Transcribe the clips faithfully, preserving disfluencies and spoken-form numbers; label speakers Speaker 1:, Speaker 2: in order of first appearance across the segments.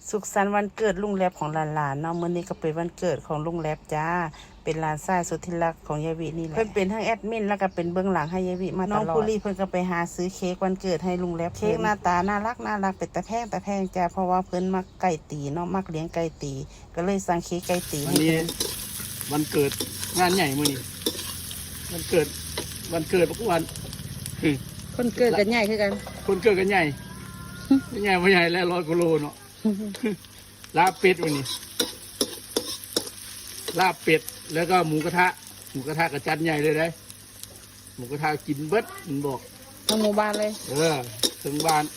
Speaker 1: สุขสันต์วันเกิดลุงแลบของหลานๆเนาะมื้อนี้ก็เป็นวันเกิดของลุงแลบจ้าเป็นหลานชายสุดที่รักของยายวินี่แหละเพิ่นเป็นทั้งแอดมินแล้วก็เป็นเบื้องหลังให้ยายวิมาตลอดน้องปุรีเพิ่นก็ไปหาซื้อเค้กวันเกิดให้ลุงแลบเค้กหน้าตาน่ารักน่ารักเป็นตะแพงตะแพงจ้าเพราะว่าเพิ่นมักไก่ตีเนาะมักเลี้ยงไก่ตีก็เลยสั่งเค้กไก่ตีให้เพิ่น
Speaker 2: วันเกิดงานใหญ่มื้อนี้วันเกิดวันเกิดทุกวัน
Speaker 1: คนเกิดกันใหญ่คือกัน
Speaker 2: คนเกิดกันใหญ่ใหญ่บ่ใหญ่แล้วร้อยกิโลเนาะลาบเป็ดวันนี้ลาบเป็ดแล้วก็หมูกระทะหมูกระทะกระจัดใหญ่เลยได้หมูกระทะกินเบิดมันบอก
Speaker 1: ทั้งหมู่บ้านเลย
Speaker 2: เออถึงบ้าน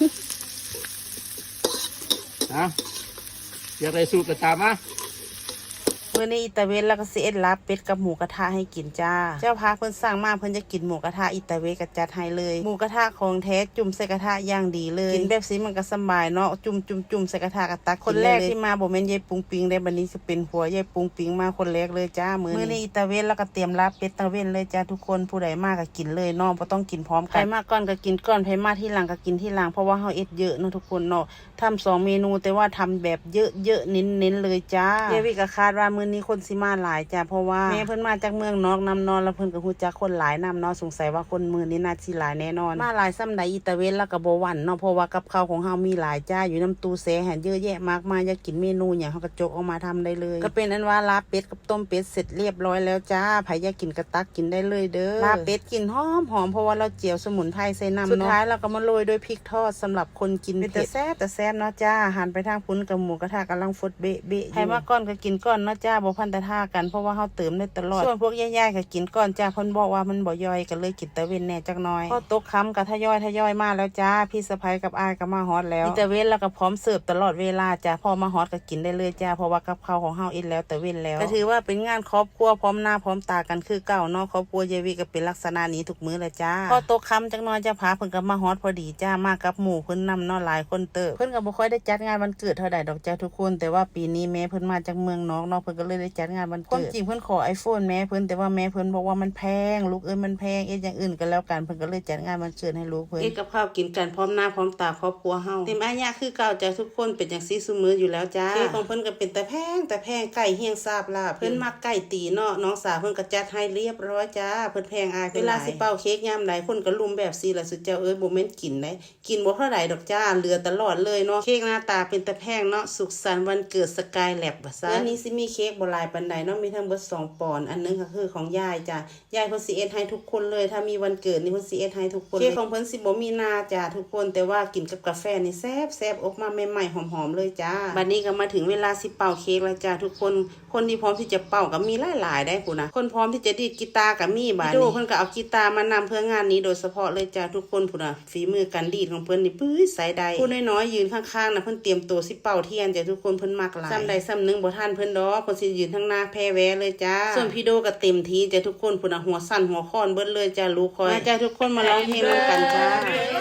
Speaker 2: นะอยากได้สูตรกระตามะ
Speaker 1: มื้อนี้อิตาเวนแล้วก็สิเอ็ดลาบเป็ดกับหมูกระทะให้กินจ้าเจ้าพาเพิ่นสั่งมาเพิ่นจะกินหมูกระทะอิตาเวนก็จัดให้เลยหมูกระทะของแท้จุ่มใส่กระทะอย่างดีเลยกินแบบนี้มันก็สบายเนาะจุ่มจุ่มจุ่มใส่กระทะกระตักคนแรกที่มาบ่แม่นยายปุงปิงได้บัดนี้สิเป็นผัวยายปุงปิงมาคนแรกเลยจ้ามื้อนี้อิตาเวนแล้วก็เตรียมลาบเป็ดตะเวนเลยจ้าทุกคนผู้ใดมาก็กินเลยเนาะบ่ต้องกินพร้อมกันใครมาก่อนก็กินก่อนใครมาที่หลังก็กินที่หลังเพราะว่าเฮาเอ็ดเยอะเนาะทุกคนเนาะทำสองเมนูแต่ว่าทำแบบเยอะๆเน้นๆเลยจ้ายายวิก็คาดว่ามื้อนี้คนสิมาหลายจ้าเพราะว่าแม่เพิ่นมาจากเมืองนอกนำนอนแล้วเพิ่นก็ฮู้จักคนหลายนำเนาะสงสัยว่าคนมื้อนี้น่าสิหลายแน่นอนมาหลายซ้ำใดอิตาเวนแล้วก็บ่หวั่นเนาะเพราะว่ากับข้าวของเฮามีหลายจ้าอยู่น้ำตู้แซ่หันเยอะแยะมากมายอยากกินเมนูหยังเฮาก็จกออกมาทำได้เลยก็เป็นอันว่าลาบเป็ดกับต้มเป็ดเสร็จเรียบร้อยแล้วจ้าไผอยากกินก็ตักกินได้เลยเด้อลาบเป็ดกินหอมหอมเพราะว่าเราเจียวสมุนไพรใส่น้ำเนาะสุดท้ายเราก็มาโรยด้วยพริกทอดสำหรับคนกินเผ็ดแต่แซ่บแต่แซ่บเนาะจ้าหันไปทางพุ้นกับหมูกระทะกำลังฟดเบะเบะใครมาก่อนก็กินก่อนเนาะจ้าบ่พันตะท่ากันเพราะว่าเฮาเติมได้ตลอดส่วนพวกย่ายๆก็กินก่อนจ้าเพิ่นบอกว่ามันบ่ย่อยก็เลยกินตะเวนแน่จักหน่อยพอตกค่ำก็ทยอยทยอยมาแล้วจ้าพี่สะใภ้กับอายก็มาฮอดแล้วตะเวนแล้วก็พร้อมเสิร์ฟตลอดเวลาจ้าพอมาฮอดก็กินได้เลยจ้าเพราะว่ากับข้าวของเฮาเอ็ดแล้วตะเวนแล้วก็ถือว่าเป็นงานครอบครัวพร้อมหน้าพร้อมตากันคือเก่าเนาะครอบครัวยายวิก็เป็นลักษณะนี้ทุกมื้อเลยจ้าพอตกค่ำจักหน่อยจ้าพาเพิ่นก็มาฮอดพอดีจ้ามากับหมู่เพิ่นนำเนาะหลายคนเติบเพิ่นก็บ่ค่อยได้จัดงานวันเกิดเท่าใดดอกจ้าทุกคนแต่ว่าปีนี้แม่เพิ่นมาจากเมืองนอกเนาะเพิ่นก็เลยได้จัดงานวันเกิดความจริงเพิ่นขอ iPhone แม่เพิ่นแต่ว่าแม่เพิ่นบอกว่ามันแพงลูกเอ้ยมันแพงเอ็ดอย่างอื่นก็แล้วกันเพิ่นก็เลยจัดงานวันเกิดให้ลูกเพิ่นเอ็ดกับข้าวกินกันพร้อมหน้าพร้อมตาครอบครัวเฮาเต็มอายะคือเก่าจ้าทุกคนเป็นจังซี่ซุมื้ออยู่แล้วจ้าเค้กของเพิ่นก็เป็นแต่แพงแต่แพงไก่เฮียงซาบลาบเพิ่นมักไก่ตีเนาะน้องสาวเพิ่นก็จัดให้เรียบร้อยจ้าเพิ่นแพงอายเวลาสิเป่าเค้กยามใดคนก็ลุมแบบซี่ล่ะสุดเจ้าเอ้ยบ่แม่นกินได้กินบ่เท่าใดดอกจ้าเหลือตลอดเลยเนาะเค้กหน้าตาเป็นแต่แพงเนาะสุขสันต์วันเกิดสกายแลบว่าซั่นอันนี้สิมีเค้กบ่หลายปานใดเนาะมีทั้งเบิดสองปอนด์อันนึงก็คือของยายจ้ายายเพิ่นสิเอ็ดให้ทุกคนเลยถ้ามีวันเกิดนี่เพิ่นสิเอ็ดให้ทุกคนเค้กของเพิ่นสิบ่มีหน้าจ้าทุกคนแต่ว่ากินกับกาแฟนี่แซ่บแซ่บออกมาใหม่ๆหอมๆเลยจ้าบัดนี้ก็มาถึงเวลาสิเป่าเค้กแล้วจ้าทุกคนคนที่พร้อมที่จะเป่าก็มีหลายๆได้พุ่นนะคนพร้อมที่จะดีดกีตาร์ก็มีบัดนี้เพิ่นก็เอากีตาร์มานำเพื่องานนี้โดยเฉพาะเลยจ้าทุกคนพุ่นน่ะฝีมือการดีดของเพิ่นนี่ปื้ยสายใดผู้น้อยๆยืนข้างๆน่ะเพิ่นเตรียมตัวสิเป่าเทียนจ้าทุกคนเพิ่นมักหลายซ้ำใดซ้ำหนึงบ่ทันเพิ่นดอกเพิ่นสิยืนข้างหน้าแพ้แวเลยจ้าส่วนพี่โดก็เต็มที่จ้าทุกคนพุ่นน่ะหัวสั่นหัวค้อนเบิดเลยจ้าลูกคอยมาจ้าทุกคนมาร้องเพลงร่วมกันจ้า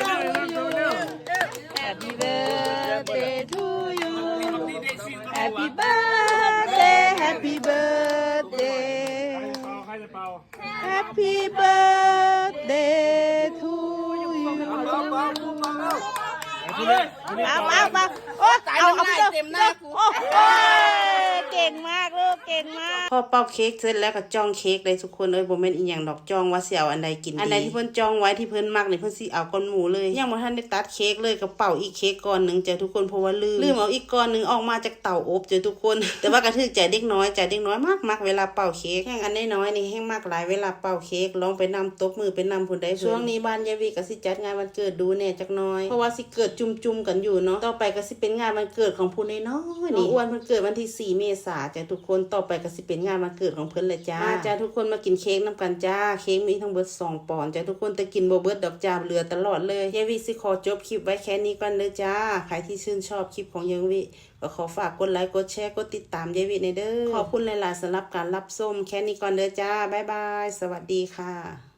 Speaker 1: Happy birthday to you Happy birthday Happy birthday Happy birthday to you เอาเอาเอาโอ้เอาเอาเต็มหน้ากูเก่งมากลูกเก่งมากพอเป่าเค้กเสร็จแล้วก็จ้องเค้กเลยทุกคนเอ้ยบ่แม่นอีหยังดอกจ้องว่าสิเอาอันใดกินดีอันใดที่เพิ่นจ้องไว้ที่เพิ่นมักนี่เพิ่นสิเอาก้อนหมูเลยยังบ่ทันได้ตัดเค้กเลยก็เป่าอีกเค้กก้อนนึงจ้ะทุกคนเพราะว่าลืมลืมเอาอีกก้อนนึงออกมาจากเตาอบจ้ะทุกคนแต่ว่ากระทึกใจเด็กน้อยใจเด็กน้อยมากๆเวลาเป่าเค้กแห้งอันน้อยๆนี่แห้งมากหลายเวลาเป่าเค้กลองไปนำตบมือไปนำพุ่นได้ช่วงนี้บ้านยายวิก็สิจัดงานวันเกิดดูแน่จักหน่อยเพราะว่าสิเกิดจุ่มๆกันอยู่เนาะต่อไปก็สิเป็นงานวันเกิดของผู้น้อยๆนี่อ้วนเพิ่นเกิดวันที่สี่เมษายนจ้ะทุกคนต่อไปก็สิเป็นงานวันเกิดของเพิ่นเลยจ้ามาจ้าทุกคนมากินเค้กน้ำกันจ้าเค้กมีทั้งเบิดสองปอนด์จ้าทุกคนแต่กินบ่เบิดดอกจ้าเหลือตลอดเลยยายวิสิขอจบคลิปไว้แค่นี้ก่อนเด้อจ้าใครที่ชื่นชอบคลิปของยายวิก็ขอฝากกดไลค์กดแชร์กดติดตามยายวิในเด้อขอบคุณหลายๆสำหรับการรับชมแค่นี้ก่อนเด้อจ้าบ๊ายบายสวัสดีค่ะ